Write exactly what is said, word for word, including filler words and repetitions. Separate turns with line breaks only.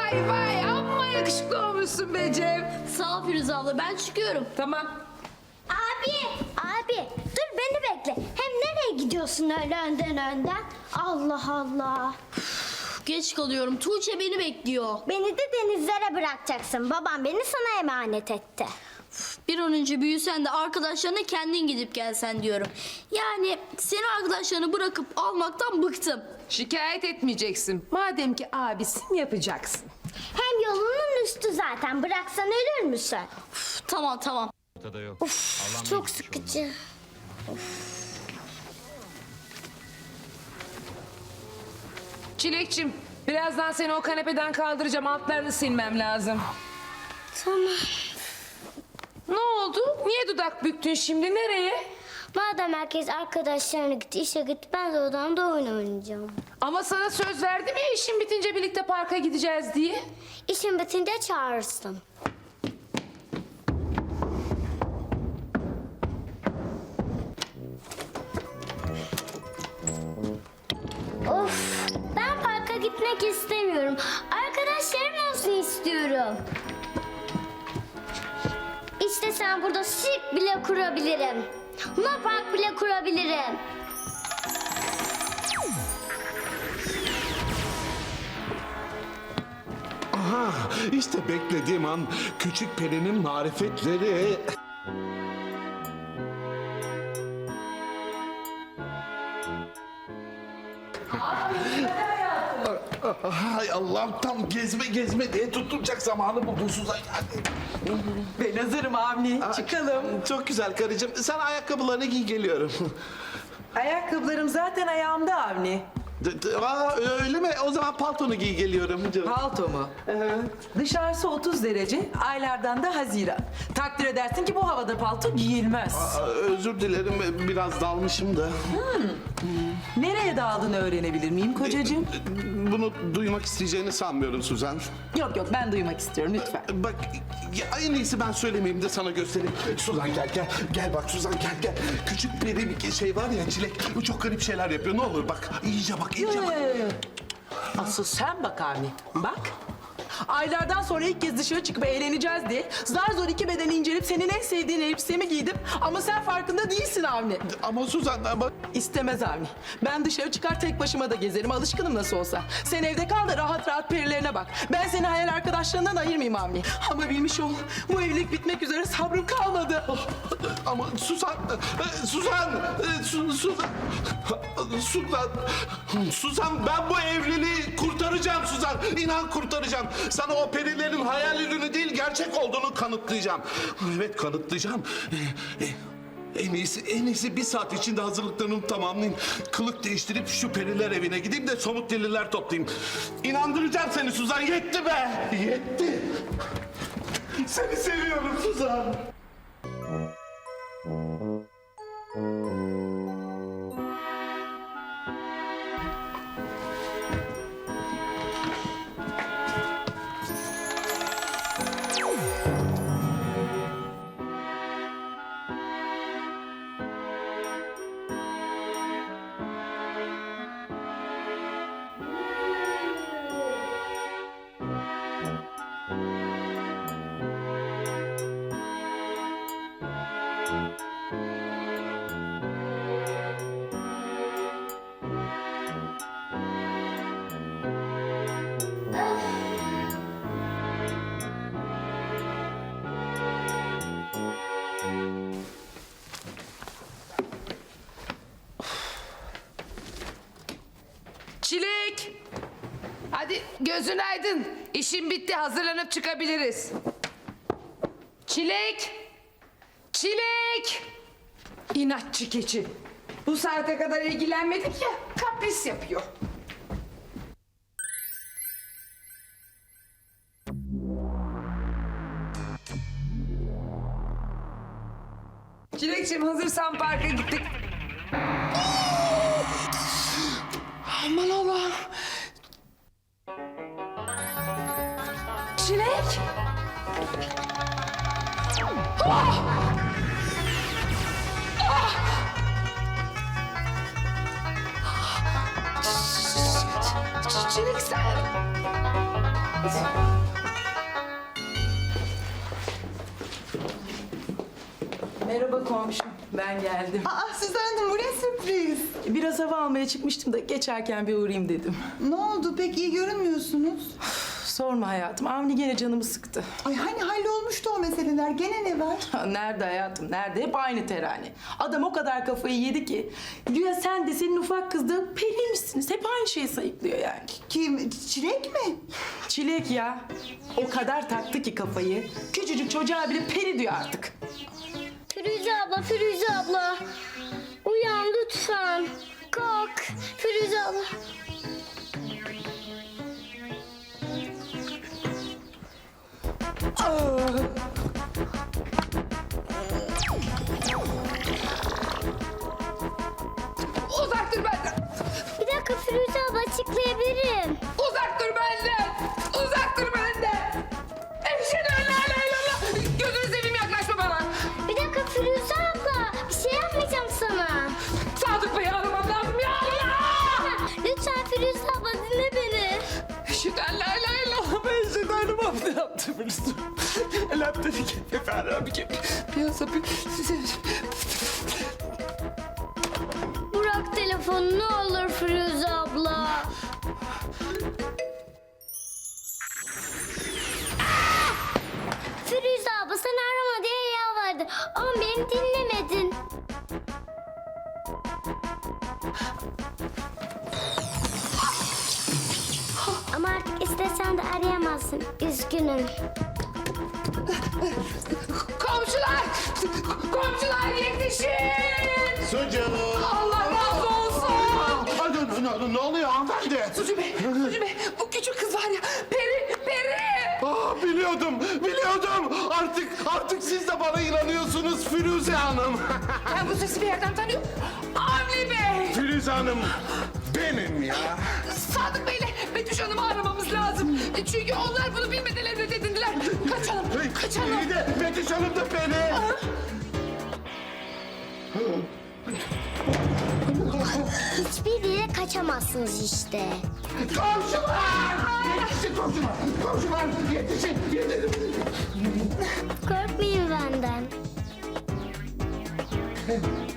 Vay vay amma yakışıklı olmuşsun be Cem.
Sağ ol Firuze abla, ben çıkıyorum.
Tamam.
Abi, abi dur beni bekle. Hem nereye gidiyorsun öyle önden önden? Allah Allah.
Geç kalıyorum. Tuğçe beni bekliyor.
Beni de denizlere bırakacaksın. Babam beni sana emanet etti.
Bir an önce büyüsen de arkadaşlarına kendin gidip gelsen diyorum. Yani seni arkadaşlarını bırakıp almaktan bıktım.
Şikayet etmeyeceksin. Madem ki abisin yapacaksın.
Hem yolunun üstü zaten. Bıraksan ölür müsün?
Üf, tamam tamam.
Ortada yok.
Of,
Allah'ım
çok
geçmiş
sıkıcı.
Çilekçim, birazdan seni o kanepeden kaldıracağım. Altlarını silmem lazım.
Tamam.
Ne oldu? Niye dudak büktün şimdi? Nereye?
Madem herkes arkadaşlarına gitti, işe gitti, ben de odamda oyun oynayacağım.
Ama sana söz verdim ya işin bitince birlikte parka gideceğiz diye.
İşin bitince çağırırsın. Of, ben parka gitmek istemiyorum. Arkadaşlarım olsun istiyorum. İşte sen burada sirk bile kurabilirim. Luna park bile kurabilirim.
Aha, işte beklediğim an küçük perinin marifetleri. Hay Allah'ım, tam gezme gezme diye tutturacak zamanı bu Suzan yani.
Ben hazırım Avni. Çıkalım.
Çok güzel karıcığım. Sen ayakkabılarını giy, geliyorum.
Ayakkabılarım zaten ayağımda Avni.
D- d- Aa, öyle mi? O zaman paltonu giy, geliyorum canım.
Palto mu? Dışarısı otuz derece, aylardan da Haziran. Takdir edersin ki bu havada palto giyilmez.
Aa, özür dilerim, biraz dalmışım da.
Nereye daldığını öğrenebilir miyim kocacığım?
Bunu duymak isteyeceğini sanmıyorum Suzan.
Yok yok, ben duymak istiyorum lütfen.
Bak, ya en iyisi ben söylemeyeyim de sana göstereyim. Suzan gel gel. Gel bak Suzan, gel gel. Küçük peri bir şey var ya, Çilek. Bu çok garip şeyler yapıyor. Ne olur bak. İyice bak, iyice bak.
Asıl sen bak Avni, bak. Aylardan sonra ilk kez dışarı çıkıp eğleneceğiz diye zar zor iki bedeni incelip senin en sevdiğin elbisemi giydim. Ama sen farkında değilsin Avni.
Ama Suzan, ama...
İstemez Avni. Ben dışarı çıkar tek başıma da gezerim. Alışkınım nasıl olsa. Sen evde kal da rahat rahat perilerine bak. Ben seni hayal arkadaşlarından ayırmayayım Avni. Ama bilmiş ol, bu evlilik bitmek üzere, sabrım kalmadı.
Ama Suzan, e, Suzan, e, Su- Suzan, Suzan, Suzan, ben bu evliliği kurtaracağım Suzan. İnan kurtaracağım. Sana o perilerin hayal ürünü değil, gerçek olduğunu kanıtlayacağım. Evet, kanıtlayacağım. E, e, En iyisi, en iyisi bir saat içinde hazırlıklarımı tamamlayayım. Kılık değiştirip şu periler evine gideyim de somut deliller toplayayım. İnandıracağım seni Suzan, yetti be, yetti. Seni seviyorum Suzan.
Çilek! Hadi gözün aydın. İşin bitti, hazırlanıp çıkabiliriz. Çilek! Çilek! İnatçı keçi. Bu saate kadar ilgilenmedik ya, kapris yapıyor. Çilekciğim, hazırsan parka gittik. Aman Allah'ım. Çilek. Ah! Ah! Ç- Çilek sen.
Merhaba komşum, ben geldim.
Aa Suzan Hanım, bu ne sürpriz?
Biraz hava almaya çıkmıştım da geçerken bir uğrayayım dedim.
Ne oldu, pek iyi görünmüyorsunuz?
Sorma hayatım, Avni gene canımı sıktı.
Ay hani hallolmuştu o meseleler, gene ne var?
Ha, nerede hayatım, nerede? Hep aynı terane. Adam o kadar kafayı yedi ki... ...diyor sen de senin ufak kız da periymişsiniz. Hep aynı şeyi sayıklıyor yani.
Kim, Çilek mi?
Çilek ya. O kadar taktı ki kafayı. Küçücük çocuğa bile peri diyor artık.
Firuze abla, Firuze abla. Uyan lütfen. Kalk. Firuze abla.
Uzak dur benden.
Bir dakika Firuze abla, açıklayabilirim.
Uzak dur benden. Uzak dur benden. Eşhedü en la ilahe illallah. Gözünü seveyim, yaklaşma bana.
Bir dakika Firuze abla. Bir şey yapmayacağım sana.
Sadık Bey'i aramam lazım ya Allah.
Lütfen Firuze abla, dinle beni.
Eşhedü en la ilahe illallah. Ben eşhedü en la ne yaptım biliyorsun. Elhamdülillah bir kere efendim bir kere. Piyasa bir...
Bırak telefonu ne olur Firuze abla. Firuze abla, sen arama diye yalvardı ama beni dinlemedin. Ama artık istesen de arayamazsın. Üzgünüm.
Komşular! Komşular yetişin!
Sucuğum.
Allah razı olsun!
Ay, ne, ne, ne oluyor hanımefendi?
Sucu Bey, Sucu Bey, bu küçük kız var ya, peri, peri!
Ah, biliyordum, biliyordum. Artık, artık siz de bana inanıyorsunuz Firuze Hanım.
Ben bu sesi bir yerden tanıyorum. Avni Bey!
Firuze Hanım benim ya.
Sadık Bey'le Betüş Hanım'ı aramamız lazım. Çünkü onlar bunu bilmeden evlat edindiler. Kaçalım, kaçalım.
İyi de Betüş Hanım da beni.
Hiçbir yere kaçamazsınız işte.
Komşular! Yetişin komşular! Komşular yetişin! Yetişin!
Korkmayın benden.